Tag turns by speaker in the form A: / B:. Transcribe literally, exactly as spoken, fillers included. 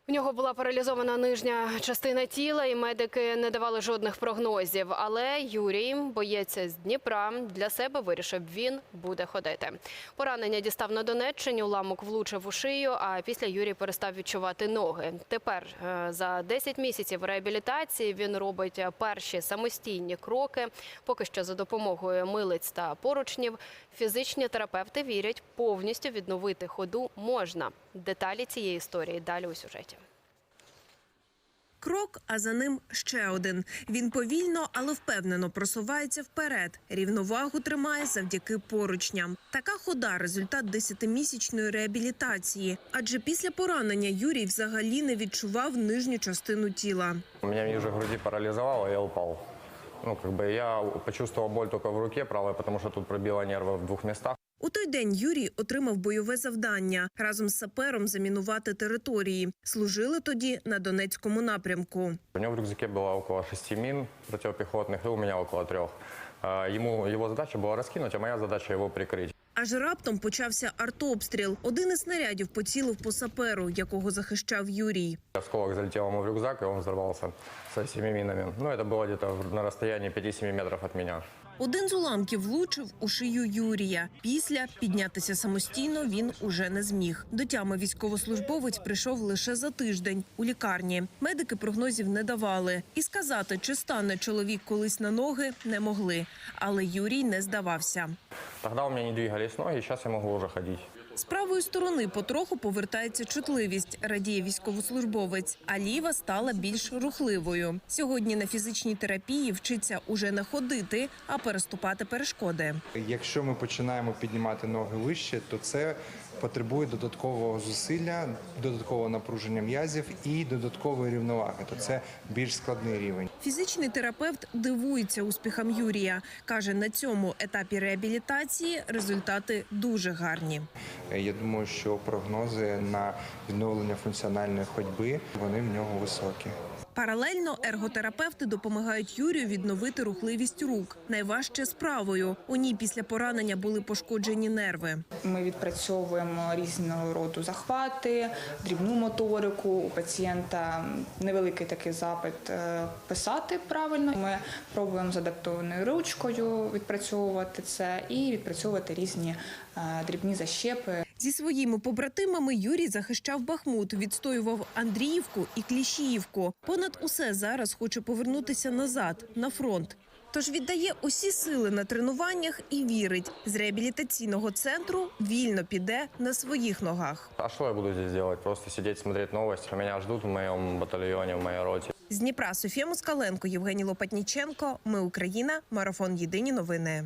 A: У нього була паралізована нижня частина тіла, і медики не давали жодних прогнозів. Але Юрій, боєць з Дніпра, для себе вирішив, він буде ходити. Поранення дістав на Донеччині, уламок влучив у шию, а після Юрій перестав відчувати ноги. Тепер за десять місяців реабілітації він робить перші самостійні кроки. Поки що за допомогою милиць та поручнів. Фізичні терапевти вірять, повністю відновити ходу можна. Деталі цієї історії далі у сюжеті.
B: Крок, а за ним ще один. Він повільно, але впевнено просувається вперед. Рівновагу тримає завдяки поручням. Така хода – результат десятимісячної реабілітації. Адже після поранення Юрій взагалі не відчував нижню частину тіла.
C: Меня ниже груди парализовало, я упал. Ну, как бы я почувствовал боль только в руке правой, потому что тут пробило нервы в двух местах.
B: У той день Юрій отримав бойове завдання – разом з сапером замінувати території. Служили тоді на Донецькому напрямку.
C: У него в рюкзаке было около шести мин противопехотных, и у меня около трех. Ему, его задача была раскинуть, а моя задача его прикрыть.
B: Аж раптом почався артобстріл. Один із снарядів поцілив по саперу, якого захищав Юрій.
C: Осколок залетел ему в рюкзак, и он взорвался со всеми минами. Ну, это было где-то на расстоянии пяти-семи метров от меня.
B: Один з уламків влучив у шию Юрія. Після піднятися самостійно він уже не зміг. До тями військовослужбовець прийшов лише за тиждень у лікарні. Медики прогнозів не давали. І сказати, чи стане чоловік колись на ноги, не могли. Але Юрій не здавався.
C: Тогда у меня не двигались ноги, сейчас я могу уже ходить.
B: З правої сторони потроху повертається чутливість, радіє військовослужбовець, а ліва стала більш рухливою. Сьогодні на фізичній терапії вчиться уже не ходити, а переступати перешкоди.
D: Якщо ми починаємо піднімати ноги вище, то це потребує додаткового зусилля, додаткового напруження м'язів і додаткової рівноваги. То це більш складний рівень.
B: Фізичний терапевт дивується успіхам Юрія. Каже, на цьому етапі реабілітації результати дуже гарні.
D: Я думаю, що прогнози на відновлення функціональної ходьби, вони в нього високі.
B: Паралельно ерготерапевти допомагають Юрію відновити рухливість рук. Найважче з правою. У ній після поранення були пошкоджені нерви.
E: Ми відпрацьовуємо різного роду захвати, дрібну моторику. У пацієнта невеликий такий запит писати правильно. Ми пробуємо з адаптованою ручкою відпрацьовувати це і відпрацьовувати різні дрібні защепи.
B: Зі своїми побратимами Юрій захищав Бахмут, відстоював Андріївку і Кліщіївку. Понад усе зараз хоче повернутися назад, на фронт. Тож віддає усі сили на тренуваннях і вірить, з реабілітаційного центру вільно піде на своїх ногах.
C: А что я буду здесь делать? Просто сидеть, смотреть новости. Меня ждут в моем батальоне, в моей роте.
B: З Дніпра Софія Москаленко, Євгеній Лопатніченко. Ми Україна. Марафон. Єдині новини.